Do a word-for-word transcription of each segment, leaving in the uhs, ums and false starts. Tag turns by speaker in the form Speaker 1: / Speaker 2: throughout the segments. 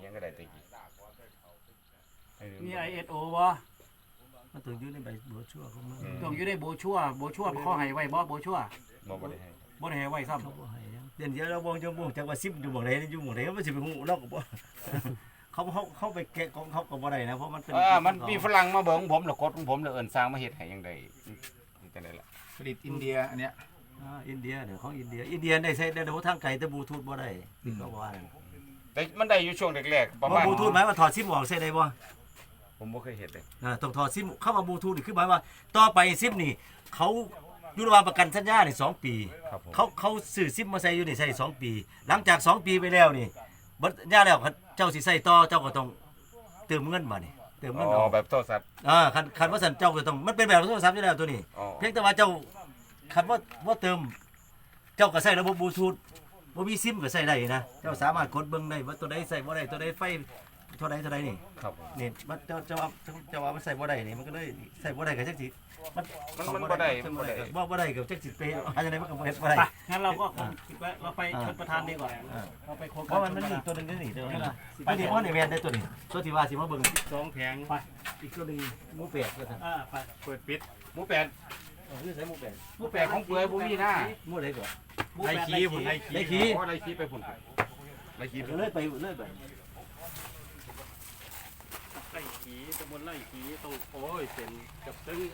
Speaker 1: ยังก็ได้ตะกี้
Speaker 2: มี ไอ เอส โอ บ่
Speaker 3: มันต้องอยู่ในใบบัวชั่วของมัน
Speaker 2: ต้องอยู่ในโบชัวโบชัวเขาให้ไว้บ่โบชัว
Speaker 1: บ่บ่ได้ให้
Speaker 2: บ่ได้ให้ไว้ซ้ำ
Speaker 3: เขาบ่ให้ยังเดี๋ยวนี้เราบ่จะบ่จักว่าสิบอยู่บ่ได้อยู่บ่ได้มันสิไปฮู้เราก็บ่เขาเขาเขาไปแกะของเขาก็บ่ได้นะเพราะมันเป็น
Speaker 1: อ่ามันมีฝรั่งมาเบิ่งผมแล้วกดของผมแล้วเอิ้นสร้างมาเฮ็ดให้ยังได้จังได๋ล่ะ
Speaker 4: ผลิตอินเดียอันเนี้ย
Speaker 3: อ่าอินเดียเดี๋ยวของอินเดียอินเดียได้ใช้ได้ทางไกลแต่บลูทูธบ่ได้ที่เขาว่านั่น
Speaker 1: แต่มันได้อยู่ช่วงแรกๆประ
Speaker 3: ว่า
Speaker 1: มาณ
Speaker 3: บลูทูธหมายว่าถอดซิมออกใช้ได้บ่
Speaker 1: ผมบ่เคยเฮ็ดเลย
Speaker 3: อ่าต้องถอดซิมเข้ามาบลูทูธนี่คือหมายว่าต่อไปซิมนี่เขาอยู่ระหว่างประกันสัญญานี่สองปี
Speaker 1: ครับผม
Speaker 3: เขาเขาซื้อซิมมาใส่อยู่นี่ใส่สองปี หลังจากสองปีไปแล้วนี่บัดญาแล้วเจ้าสิใส่ต่อเจ้าก็ต้องเติมเงินมานี่เติมเงิน
Speaker 1: อ๋
Speaker 3: อ
Speaker 1: อ
Speaker 3: อก
Speaker 1: แบบโทรศัพท์
Speaker 3: อ่าคันคันว่าสันเจ้าก็ต้องมันเป็นแบบโทรศัพท์อยู่แล้วตัวนี้
Speaker 1: อ๋อ
Speaker 3: เพียงแต่ว่าเจ้าคันว่าว่าเติม เจ้าก็ใส่ระบบบลูทูธบ่มีซิมก็ใส่ได้นะเจ้าสามารถกดเบิ่งได้ว่าตัวใดใส่บ่ได้ตัวใดไฟเท่าใดเท่าใดนี่
Speaker 1: ครับผม
Speaker 3: นี่มันเจ้าเจ้าว่าเจ้าว่ามันใส่บ่ได้นี่มันก็เลยใส่บ่ได้ก็จักสิมัน
Speaker 1: มันมันบ่ได้มันบ่ได้
Speaker 3: บ่บ่ได้ก็จักสิไปอันจังไดมันก็บ่เฮ็ดบ่ได้
Speaker 2: ไปงั้นเราก็คงคิดว่าเราไปชนประธานดีกว่าเราไปโครง
Speaker 3: เพราะมันมันมีตัวหนึงนี่ตัวนึงไปนี่ว่านี่แม่นได้ตัวนี้ตัวที่ว่าสิมาเบิ่ง
Speaker 2: สองแผงไป
Speaker 3: อีกตัวหนึงหมูเป็ดว่าซั่น
Speaker 2: อ่าไปเปิดปิด
Speaker 1: หมูแปด
Speaker 3: เออคือใส่หมูเป็ด
Speaker 1: หมูแปดของเปื่อยบ่มีนะ
Speaker 3: หมูใดก่อน
Speaker 2: ไล่ขี้พุ่นไล่ขี้
Speaker 3: ได้ขี้
Speaker 1: อ๋อไล่ขี้ไปพุ่นไล่ขี้ไป
Speaker 3: เลื่อยไปเลื่อยไป
Speaker 2: ไล่ขี้ตำบลไล่ขี้ต้องโอ้ยเป็นกับซึ่ง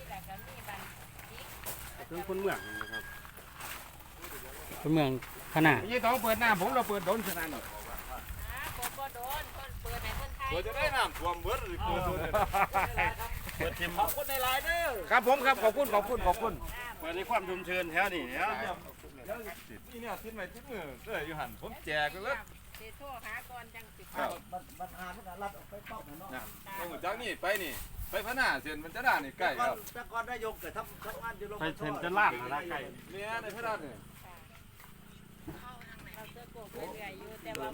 Speaker 2: กับซึ่งคนเมืองนะครับคนเมืองขนาด
Speaker 1: ยี่ต้องเปิดหน้าผมเราเปิดโดนขนาดนี้
Speaker 5: ผมบ่โดนคนเปิดในคนไทย
Speaker 4: เปิดจะได้น้ำท่วมเบิดหรือเปิดตัวเนี่ย
Speaker 2: เปิดทีมขอบคุณในไลน์เด้อ
Speaker 1: ครับผมครับขอบคุณขอบคุณขอบคุณ
Speaker 2: เปิดในความชุมเชิญแถวนี้เนี่ย
Speaker 4: นี่เนี่ยทิ้งไว้ทิ้งมือเด้ออยู่หันผมแจกเลย
Speaker 5: สิโทรหาก่อนจังสิ
Speaker 4: ครับ
Speaker 3: มันมันหามันก็รัดออกไปเป้าเนาะ
Speaker 4: นะต้องจากนี่ไปนี่ไปพะหน้าเสียนมันจะได้นี่ใกล้ครับ
Speaker 3: แต่ก่อนนายกก็ทำทำงานอยู่โรง
Speaker 2: ไปเซ็นจะล่างนะไก่
Speaker 4: เนี่ยในพะหน้าเนี่ย
Speaker 5: เราเจอโกกเรื่อยๆอยู่แต่ว่า